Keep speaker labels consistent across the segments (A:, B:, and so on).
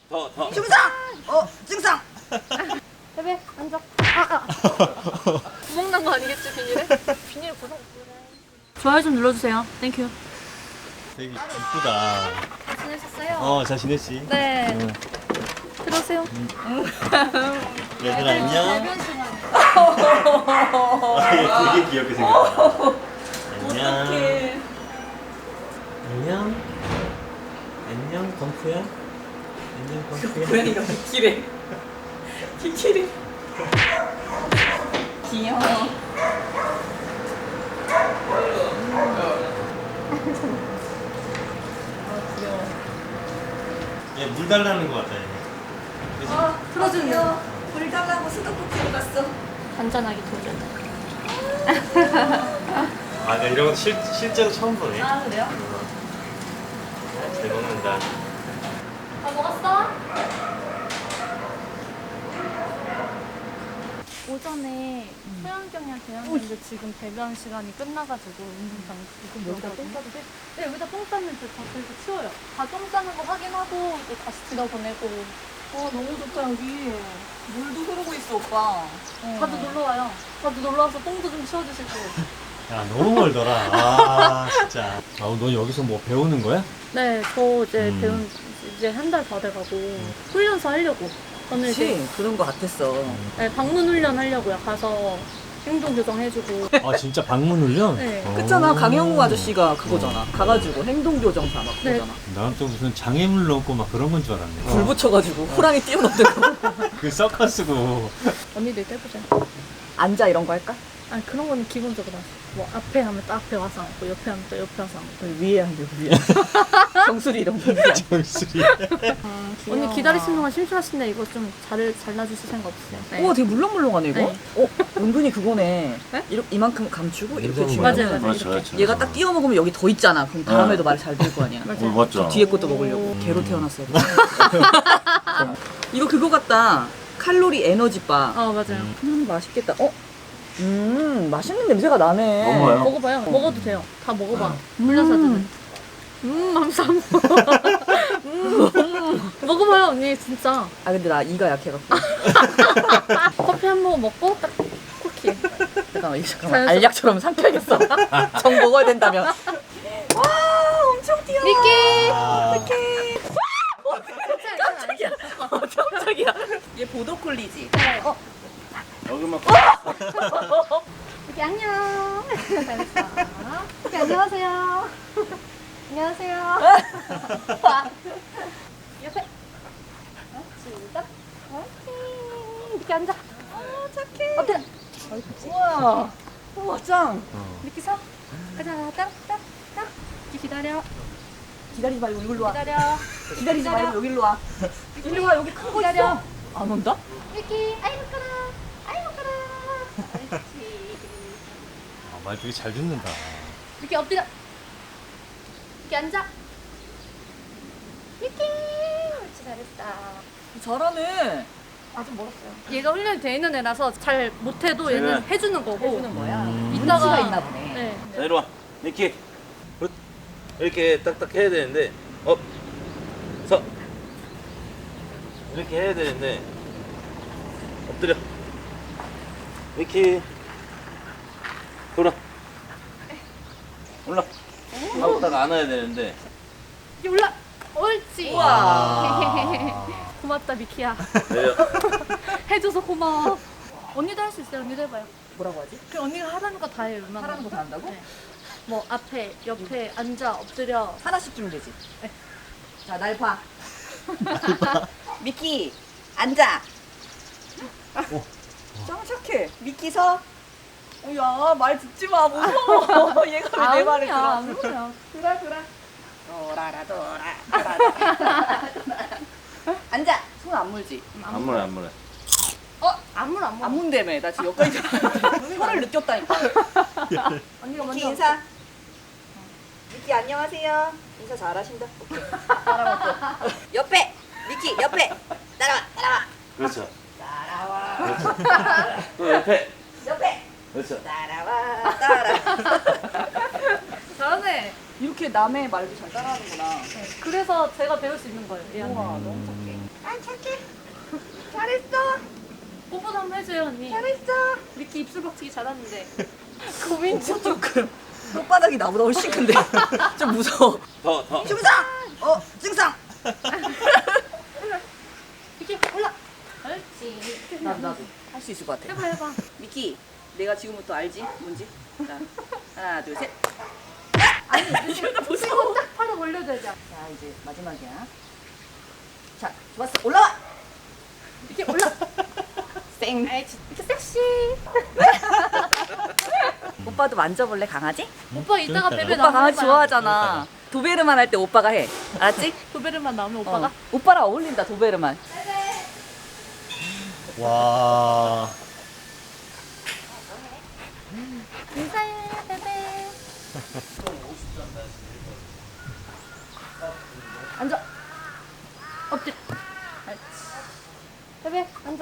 A: 더.
B: 중상! 중상!
C: 베베 앉아. 구멍 난 거 아니겠지 비닐에? 비닐 구멍. 좋아요 좀 눌러주세요. 땡큐.
A: 되게 이쁘다.
C: 잘 지내셨어요?
A: 잘 지냈지?
C: 네. 들어오세요.
A: 얘들아 안녕.
C: 배변 시간.
A: 되게 귀엽게 생겼다. 안녕. 안녕. 안녕 덩크야. 안녕 덩크야.
B: 고양이가 키키래. 키키래. 귀여워.
A: 얘물 달라는 거 같다. 얘. 그치?
C: 틀어주네요.
B: 물 달라고 수도꼭지로 갔어.
C: 잔잔하게 도전.
A: 나 이런 거 실제로 처음 보네.
B: 아, 그래요?
A: 잘 먹는다.
C: 다 먹었어? 오전에 소양경이랑 대였는데 지금 배변 시간이 끝나가지고 운동장 여기다 똥 싸도 돼? 네, 여기다 똥 쌌는데 다 그래서 치워요. 다 똥 싸는 거 확인하고 이제 다시 집어 보내고.
B: 너무 좋다, 여기. 물도 흐르고 있어, 오빠.
C: 자주 놀러 와요. 자주 놀러 와서 똥도 좀 치워주시고.
A: 야 너무 멀더라. 진짜. 너 여기서 뭐 배우는 거야?
C: 네, 저 이제
A: 배운
C: 이제 한 달 다 돼가고 훈련소 하려고. 저는 이제
B: 그치? 그런 거 같았어.
C: 네, 방문 훈련 하려고요. 가서 행동 교정 해주고.
A: 진짜 방문 훈련?
C: 네.
B: 그렇잖아, 강영우 아저씨가 그거잖아. 가가지고 행동교정사 막
C: 네.
B: 그거잖아.
A: 나는 또 무슨 장애물 넣고 막 그런 건 줄 알았네.
B: 불 붙여가지고 호랑이 뛰어넘는 거.
A: 그 서커스고.
C: 언니도 이거 해보자.
B: 앉아 이런 거 할까?
C: 아니 그런 거는 기본적으로 하시. 뭐 앞에 하면 또 앞에 와서 앉고 옆에 하면 또 옆에 와서 앉고.
B: 위에 앉아, 위에. 정수리 이런 거.
A: 정수리.
C: 언니 기다리시는 동안 심심하신데 이거 좀 잘라주실 생각 없으세요? 네.
B: 우와, 되게 물렁물렁하네, 이거.
C: 네.
B: 은근히 그거네.
C: 네?
B: 이만큼 감추고 이렇게
A: 맞아요,
B: 주면
C: 맞아요.
D: 맞죠.
B: 얘가 딱 띄워 먹으면 여기 더 있잖아. 그럼 다음에도 말 잘 들 거 아니야.
C: 맞아요.
D: 맞죠.
B: 뒤에 것도 먹으려고. 개로 태어났어요. 이거 그거 같다. 칼로리 에너지바.
C: 맞아요.
B: 맛있겠다. 맛있는 냄새가 나네.
D: 먹어봐요.
C: 먹어봐요. 먹어도 돼요. 다 먹어봐. 물려사드는. 하면서 안 먹어봐요 언니 진짜.
B: 아, 근데 나 이가 약해갖고.
C: 커피 한 모금 먹고 딱 쿠키.
B: 잠깐만,
C: 자연스럽-
B: 알약처럼 삼켜야겠어. 정 먹어야 된다면. 와, 엄청 뛰어.
C: 미끼.
B: 어떡해.
C: 깜짝이야.
B: 깜짝이야. 얘 보더콜리지?
D: 여기만
C: 미끼 안녕. 잘했어. 미끼 안녕하세요. 안녕하세요. 옆에. 시작. 미끼 앉아. 착해. 엎드려.
B: 우와. 우와, 짱.
C: 미끼 서. 가자. 딱. 미끼 기다려.
B: 기다리지 말고 여기로 와.
C: 기다려.
B: 기다리지 말고 여기로 와. 여기로 와, 여기 큰 거
C: 기다려.
B: 있어. 안 온다?
C: 미끼. 아이고 까라. 아이고 까라. 옳지.
A: 말 되게 잘 듣는다.
C: 미끼 엎드려. 미끼 앉아. 미끼. 옳지 잘했다.
B: 잘하네.
C: 아직 멀었어요. 얘가 훈련이 돼 있는 애라서 잘 못해도 얘는 해주는 거고.
B: 해주는 거야.
C: 이따가
B: 눈치가 있나 보네.
C: 네.
D: 자, 이리 와. 니키. 굿. 이렇게 딱딱 해야 되는데, 서. 이렇게 해야 되는데, 엎드려. 니키. 돌아. 올라. 하고 딱 안아야 되는데,
C: 이제 올라. 옳지.
B: 우와.
C: 고맙다 미키야.
D: 내려.
C: 해줘서 고마워. 언니도 할 수 있어요. 언니도 해봐요.
B: 뭐라고 하지?
C: 그 언니가 하라는 거 다 해요. 웬만한
B: 하라는 거 다 한다고?
C: 네. 뭐 앞에, 옆에 앉아, 엎드려.
B: 하나씩 주면 되지.
C: 네.
B: 자, 날 봐. 미키, 앉아. 짱 착해. 미키 서. 야, 말 듣지 마. 무서워. 얘가 왜 내 말을 들어?
C: 아무야.
B: 돌아. 돌아. 앉아. 손 안 물지?
D: 안 물어, 안 물어.
C: 아무나
B: 안 문대매. 나 지금 여기까지 혀를 느꼈다니까.
C: 언니가
B: 미키
C: 먼저.
B: 인사. 미키 안녕하세요. 인사 잘하신다. 오케이. 따라와 또. 옆에. 미키 옆에. 따라와.
D: 그렇죠.
B: 따라와.
D: 그렇죠. 또 옆에.
B: 옆에.
D: 그렇죠.
B: 따라와.
C: 잘하네.
B: 이렇게 남의 말도 잘 따라하는구나.
C: 네. 그래서 제가 배울 수 있는 거예요. 얘한테.
B: 우와, 너무 착해. 잘했어.
C: 뽀뽀도 한번 해줘요 언니.
B: 잘했어.
C: 미끼 입술 박치기 잘하는데.
B: 고민 중 조금. 손바닥이 나보다 훨씬 큰데. 좀 무서워.
D: 더.
B: 중상. 중상.
C: 미끼 올라. 그렇지.
B: 나도 할 수 있을 것 같아.
C: 해봐.
B: 미키, 내가 지금부터 알지? 뭔지? 자, 하나, 둘, 셋.
C: 아니 이러다 보시고 딱 팔을 벌려줘야지.
B: 자, 이제 마지막이야. 자, 좋았어. 올라와.
C: 이렇게 올라.
B: 쌩.
C: 이렇게 섹시.
B: 오빠도 만져볼래, 강아지?
C: 오빠 이따가 베베
B: 오빠
C: 나오면
B: 강아지
C: 해봐요.
B: 좋아하잖아. 도베르만 할 때 오빠가 해. 알았지?
C: 도베르만 나오면 오빠가.
B: 오빠랑 어울린다, 도베르만.
A: 와.
C: 인사해 베베. 앉아. 엎드려. 옳지. 베베 앉아.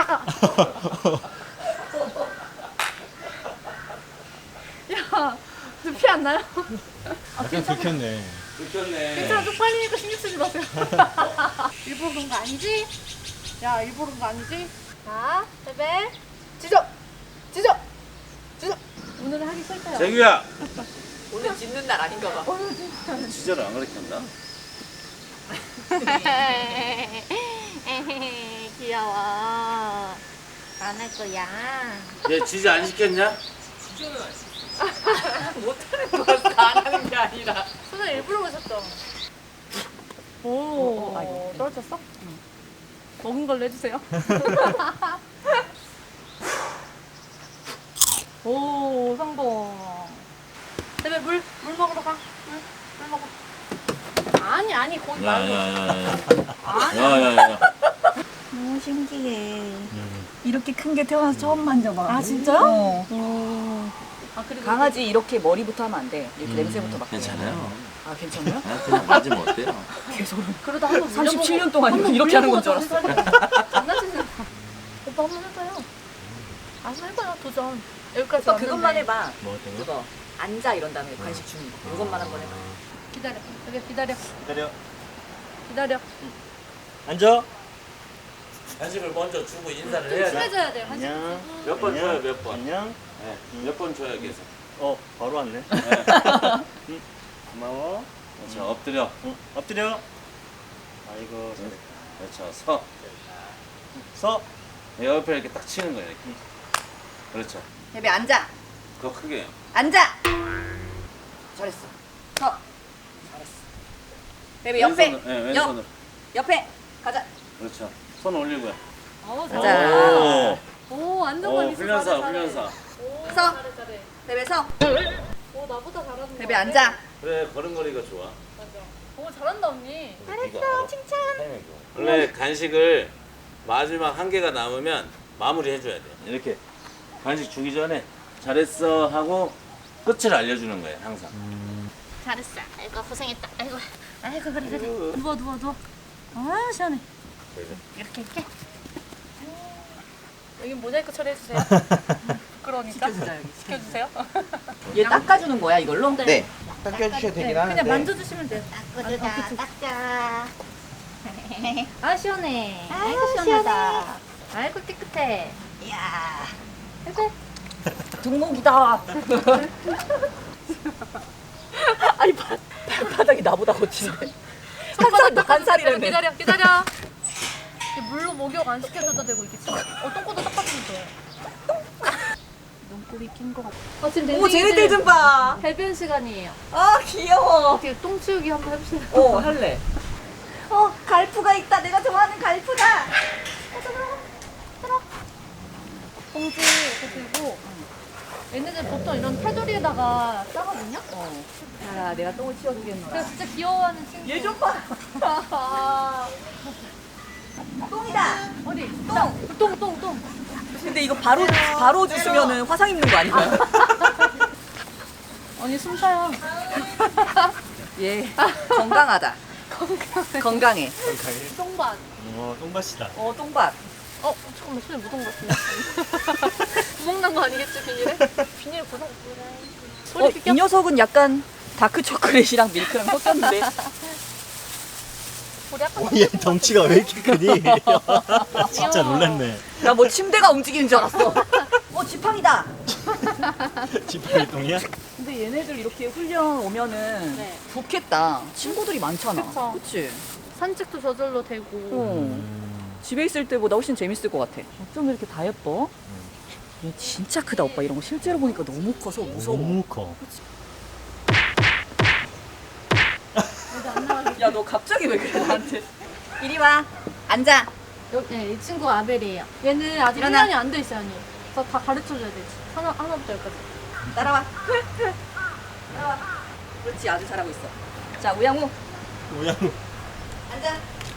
C: 야, 눈피 안 나요?
A: 약간 들켰네.
D: 들켰네.
C: 괜찮아, 쪽팔리니까 신경 쓰지 마세요. 일부러 그런 거 아니지? 야, 일부러 그런 거 아니지? 자, 베베. 짖어! 짖어! 짖어! 오늘은 하기 싫대요.
D: 재규야.
B: 오늘 짖는 날 아닌가 봐.
D: 지저를 안 가르쳤나?
C: 귀여워. 안 할 거야.
D: 얘 지지 안 시켰냐?
B: 못하는 거였어. 안 하는 게 아니라.
C: 손을 일부러 보셨죠?
B: 아이고.
C: 떨어졌어? 응. 먹은 걸로 해주세요. 오, 성공. 베베 물 먹으러 가. 물 먹어. 아니, 거기 말고.
D: 야야야야.
B: 너무 신기해. 이렇게 큰 게 태어나서 처음 만져봐.
C: 아, 진짜요?
B: 어.
C: 아, 그리고
B: 강아지 이렇게 머리부터 하면 안 돼. 이렇게 냄새부터 맡고.
D: 괜찮아요.
B: 아, 괜찮아요?
D: 그냥 맞으면 어때요?
B: 개소름.
C: 그러다 한번
B: 37년 동안 이렇게 하는 건 줄 알았어.
C: 장난치지 마. 오빠 한번 해봐요. 한번 해봐요, 도전. 여기까지
B: 오빠
C: 왔는데.
B: 그것만 해봐.
A: 뭐 어떤 거?
B: 그거. 앉아 이런 다음에 간식 주는 거. 이것만 한번 해봐.
C: 기다려. 여기 기다려.
A: 기다려.
C: 기다려.
A: 앉아.
D: 간식을 먼저 주고 인사를
C: 좀
D: 해야지.
C: 친해져야 돼요.
A: 안녕.
D: 몇 번 줘요, 몇 번?
A: 안녕.
D: 네, 몇 번 줘야 계속.
A: 바로 왔네.
D: 네.
A: 고마워.
D: 자, 엎드려.
A: 엎드려. 아이고.
D: 그렇죠. 서.
A: 서.
D: 옆에 이렇게 딱 치는 거예요, 이렇게. 그렇죠.
B: 베베 앉아.
D: 더 크게.
B: 앉아. 잘했어. 서. 잘했어. 베베 옆에.
D: 왼손으로, 네, 왼손으로.
B: 옆에. 가자.
D: 그렇죠. 손 올리고요.
B: 가자.
C: 오, 안정감 있어.
D: 훈련사,
C: 잘해, 잘해.
D: 훈련사.
C: 오,
B: 서.
C: 잘해.
B: 베베 서.
C: 오, 나보다 잘하는
B: 베베 앉아.
D: 그래, 걸음걸이가 좋아.
C: 맞아. 오, 잘한다, 언니.
D: 잘했어, 칭찬. 원래 간식을 마지막 한 개가 남으면 마무리 해줘야 돼. 이렇게 간식 주기 전에 잘했어 하고 끝을 알려주는 거예요, 항상.
C: 잘했어. 아이고, 고생했다. 아이고, 그래. 누워. 아, 시원해. 이렇게. 여기 모자이크 처리해주세요. 부끄러우니까. 시켜주세요.
B: 얘 닦아주는 거야 이걸로?
E: 네, 닦여주셔도 되긴
C: 그냥
E: 하는데
C: 만져주시면 돼요.
F: 닦자.
C: 아, 시원해. 아이고, 시원하다. 아이고, 깨끗해.
B: 이야.
C: 아이고.
B: 등목이다. 아니 발바닥이 나보다 거친데. 한 살이라며.
C: 기다려. 이게 물로 목욕 안 시켜줘도 되고 이게 진짜 똥꼬도 닦아주면 돼. 눈꼬리 낀 거 같아. 지금
B: 오 쟤네들 좀 봐.
C: 배변 시간이에요.
B: 아 귀여워.
C: 어떻게 똥 치우기 한번 해보세요.
B: 할래. 갈프가 있다. 내가 좋아하는 갈프다.
C: 봉지 이렇게 들고 얘네들 보통 이런 테두리에다가 싸거든요.
B: 자, 내가 똥을 치워주겠노라.
C: 그래서 진짜 귀여워하는 친구.
B: 얘 좀 봐. 똥이다.
C: 어디? 똥.
B: 근데 이거 바로 주시면은 화상 입는 거 아닌가요?
C: 언니 숨 쉬어요.
B: 예. 건강하다. 건강해.
C: 똥밭.
A: 똥밭이다.
B: 똥밭.
C: 잠깐만 손에 묻은 것 같은데. 구멍 난 거 아니겠지 비닐에? 비닐 구멍. 소리
B: 이 녀석은 약간 다크 초콜릿이랑 밀크랑 섞였는데.
C: 우리 아까
A: 얘 덩치가 왜 이렇게 크니? 진짜 놀랬네.
B: 나 뭐 침대가 움직이는 줄 알았어. 지팡이다.
A: 지팡이똥이야?
B: 근데 얘네들 이렇게 훈련 오면은
C: 네.
B: 좋겠다. 친구들이 많잖아.
C: 그쵸.
B: 그치?
C: 산책도 저절로 되고.
B: 집에 있을 때보다 훨씬 재밌을 것 같아. 어쩜 이렇게 다 예뻐? 얘 진짜 크다 오빠. 이런 거 실제로 보니까 너무 커서 무서워.
A: 너무 커.
B: 야 너 갑자기 왜 그래 나한테? 이리 와. 앉아.
C: 네, 이 친구가 아벨이에요. 얘는 아직
B: 일어나.
C: 훈련이 안 돼 있어요, 언니. 저 다 가르쳐줘야 돼. 하나부터 열까지.
B: 따라와. 따라와. 그렇지 아주 잘하고 있어. 자 우양우
A: 뭐야?
B: 앉아.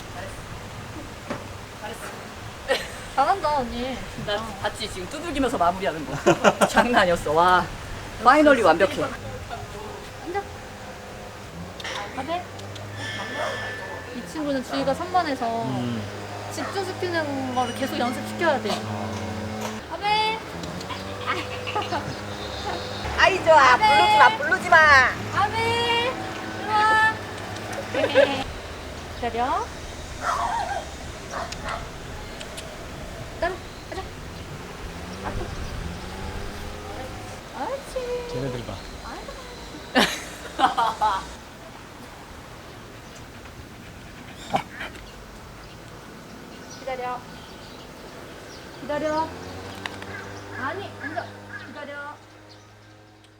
C: 잘한다, 언니.
B: 나 봤지 지금 두들기면서 마무리하는 거. 장난 아니었어. 와 파이널리 완벽해.
C: 앉아. 아벨. 이 친구는 주의가 산만해서 집중시키는 거를 계속 연습시켜야 돼. 아벨.
B: 아이 좋아. 부르지 마 부르지 마.
C: 아벨. 좋아. 기다려. 따라. 가자. 앞으로. 옳지.
A: 쟤네들 봐.
C: 기다려. 기다려. 아니, 앉아.